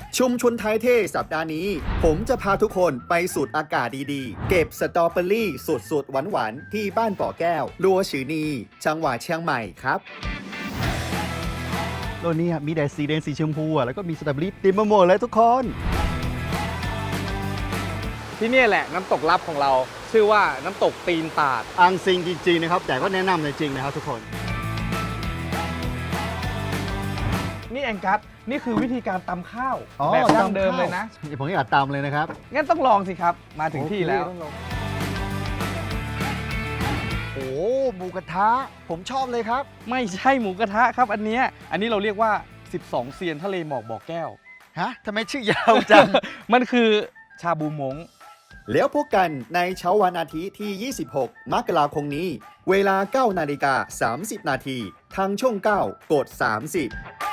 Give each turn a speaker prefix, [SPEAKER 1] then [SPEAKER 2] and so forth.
[SPEAKER 1] ชุมชนไทยเท่สัปดาห์นี้ ผมจะพาทุกคนไปสูดอากาศดีๆ เก็บสตรอเบอรี่สุดๆหวานๆที่บ้านป่อแก้วลัวฉือนีจังหวัดเชียงใหม่ครับ
[SPEAKER 2] โลกนี้มีแต่สีแดงสีชมพูแล้วก็มีสตรอเบอรี่เต็มไปหมดเลยทุกคน
[SPEAKER 3] ที่นี่แหละน้ำตกลับของเรา ชื่อว่าน้ำตกตีนตาด
[SPEAKER 2] อังซิงจริงๆนะครับแต่ก็แนะนำเลยจริงนะครับทุกคน
[SPEAKER 3] นี่แองกัสนี่คือวิธีการตำข้าวแบบดั้งเดิมเลยนะ
[SPEAKER 2] ผมอยากตามเลยนะครับ
[SPEAKER 3] งั้นต้องลองสิครับ มาถึงที่แล้ว
[SPEAKER 2] โอ้หมูกระทะผมชอบเลยครับ
[SPEAKER 3] ไม่ใช่หมูกระทะครับอันเนี้ยอันนี้เราเรียกว่า 12 เซียนทะเลหมอกบ่อแก้ว
[SPEAKER 2] ฮะทำไมชื่อยาวจัง
[SPEAKER 3] มันคือชาบูมง
[SPEAKER 1] แล้วพบกันในเช้าวันอาทิตย์ที่ 26 มกราคมนี้ เวลา 9:30 น. ทางช่อง 9 กด 30